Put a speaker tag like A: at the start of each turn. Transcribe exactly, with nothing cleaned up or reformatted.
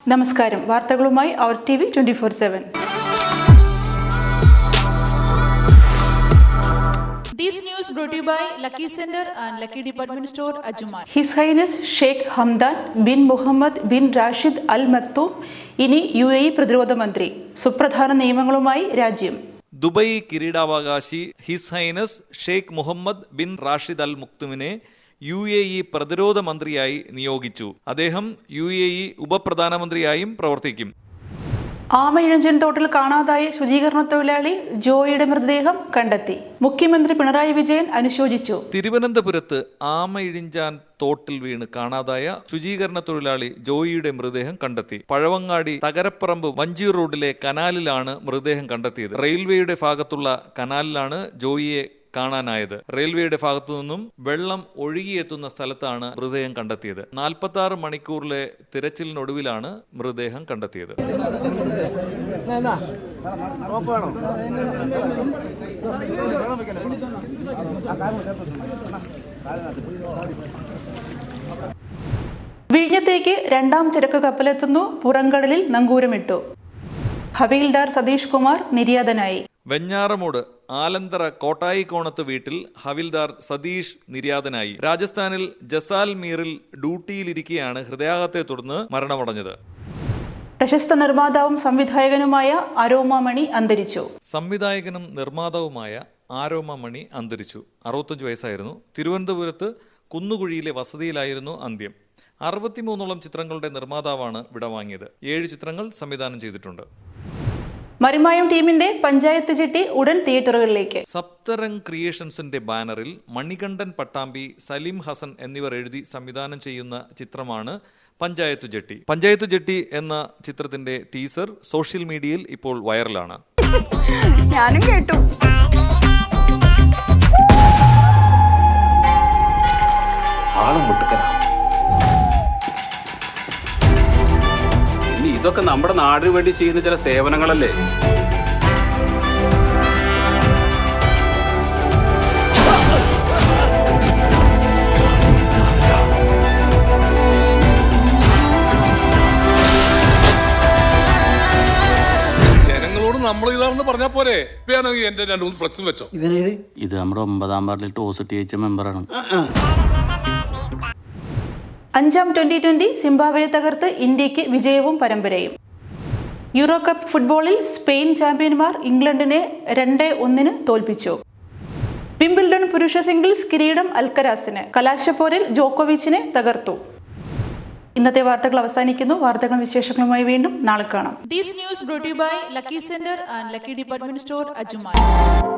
A: നമസ്കാരം. വാർത്തകളുമായി അവർ T V twenty four seven.
B: This news brought to you by Lucky Center and Lucky Department Store, Ajmal.
A: His Highness Sheikh Hamdan bin Muhammad bin Rashid Al Maktoum ഇനി U A E പ്രതിരോധ മന്ത്രി. സുപ്രധാന നിയമങ്ങളുമായി രാജ്യം.
C: Dubai കിരീടാവകാശി his highness Sheikh Mohammed bin Rashid Al മുക്തുമിനെ U A E പ്രതിരോധ മന്ത്രിയായി നിയോഗിച്ചു. അദ്ദേഹം യു എ ഇ ഉപപ്രധാനമന്ത്രിയായും പ്രവർത്തിക്കും.
A: ആമയിഴഞ്ചൻ തോട്ടിൽ കാണാതായ ശുചീകരണ തൊഴിലാളി ജോയിയുടെ മൃതദേഹം കണ്ടെത്തി. മുഖ്യമന്ത്രി പിണറായി വിജയൻ അനുശോചിച്ചു.
C: തിരുവനന്തപുരത്ത് ആമയിഴിഞ്ചാൻ തോട്ടിൽ വീണ് കാണാതായ ശുചീകരണ തൊഴിലാളി ജോയിയുടെ മൃതദേഹം കണ്ടെത്തി. പഴവങ്ങാടി തകരപ്പറമ്പ് വഞ്ചി റോഡിലെ കനാലിലാണ് മൃതദേഹം കണ്ടെത്തിയത്. റെയിൽവേയുടെ ഭാഗത്തുള്ള കനാലിലാണ് ജോയിയെ കാണാനായത്. റെയിൽവേയുടെ ഭാഗത്തു നിന്നും വെള്ളം ഒഴുകിയെത്തുന്ന സ്ഥലത്താണ് മൃതദേഹം കണ്ടെത്തിയത്. നാൽപ്പത്തി ആറ് മണിക്കൂറിലെ തിരച്ചിലിനൊടുവിലാണ് മൃതദേഹം കണ്ടെത്തിയത്.
A: വിഴിഞ്ഞത്തേക്ക് രണ്ടാം ചരക്ക് കപ്പലെത്തുന്നു. പുറംകടലിൽ നങ്കൂരമിട്ടു. ഹവീൽദാർ സതീഷ് കുമാർ നിര്യാതനായി.
C: വെഞ്ഞാറമൂട് ആലന്തറ കോട്ടായിക്കോണത്ത് വീട്ടിൽ ഹവിൽദാർ സതീഷ് നിര്യാതനായി. രാജസ്ഥാനിൽ ജസാൽമീറിൽ ഡ്യൂട്ടിയിലിരിക്കെയാണ് ഹൃദയാഘാതത്തെ തുടർന്ന് മരണമടഞ്ഞത്.
A: പ്രശസ്ത നിർമ്മാതാവും സംവിധായകനുമായ ആരോമ മണി അന്തരിച്ചു.
C: സംവിധായകനും നിർമ്മാതാവുമായ ആരോമ മണി അന്തരിച്ചു. അറുപത്തഞ്ച് വയസ്സായിരുന്നു. തിരുവനന്തപുരത്ത് കുന്നുകുഴിയിലെ വസതിയിലായിരുന്നു അന്ത്യം. അറുപത്തിമൂന്നോളം ചിത്രങ്ങളുടെ നിർമ്മാതാവാണ് വിടവാങ്ങിയത്. ഏഴ് ചിത്രങ്ങൾ സംവിധാനം ചെയ്തിട്ടുണ്ട്.
A: മറിമായം ടീമിന്റെ പഞ്ചായത്ത് ചിട്ടി ഉടൻ തിയേറ്ററുകളിലേക്ക്.
C: സപ്തരംഗ് ക്രിയേഷൻസിന്റെ ബാനറിൽ മണികണ്ഠൻ പട്ടാമ്പി, സലീം ഹസൻ എന്നിവർ എഴുതി സംവിധാനം ചെയ്യുന്ന ചിത്രമാണ് പഞ്ചായത്ത് ജെട്ടി. പഞ്ചായത്ത് ജെട്ടി എന്ന ചിത്രത്തിന്റെ ടീസർ സോഷ്യൽ മീഡിയയിൽ ഇപ്പോൾ വൈറലാണ്.
D: ഞാനും കേട്ടു.
E: ഇതൊക്കെ നമ്മുടെ നാടിന് വേണ്ടി ചെയ്യുന്ന ചില സേവനങ്ങളല്ലേ?
F: ജനങ്ങളോട് നമ്മൾ ഇതാണെന്ന് പറഞ്ഞാൽ പോരെ? എന്റെ രണ്ടു മൂന്ന് ഫ്ലെക്സും വെച്ചോ.
G: ഇത് നമ്മുടെ ഒമ്പതാം വാർഡിൽ ടോസ് ജയിച്ച മെമ്പറാണ്.
A: അഞ്ചാം ട്വന്റി ട്വന്റി സിംബാബ്വെയെ തകർത്ത് ഇന്ത്യക്ക് വിജയവും പരമ്പരയും. യൂറോ കപ്പ് ഫുട്ബോളിൽ സ്പെയിൻ ചാമ്പ്യന്മാർ ഇംഗ്ലണ്ടിനെ രണ്ട് ഒന്നിന് തോൽപ്പിച്ചു. വിംബിൾഡൺ പുരുഷ സിംഗിൾസ് കിരീടം അൽക്കരാസിന്. കലാശപ്പോരിൽ ജോക്കോവിച്ചിനെ തകർത്തു. ഇന്നത്തെ വാർത്തകൾ അവസാനിക്കുന്നു. വാർത്തകളും വിശേഷങ്ങളുമായി വീണ്ടും നാളെ കാണാം.
B: This news brought to you by Lucky Center and Lucky Department Store, Ajmal.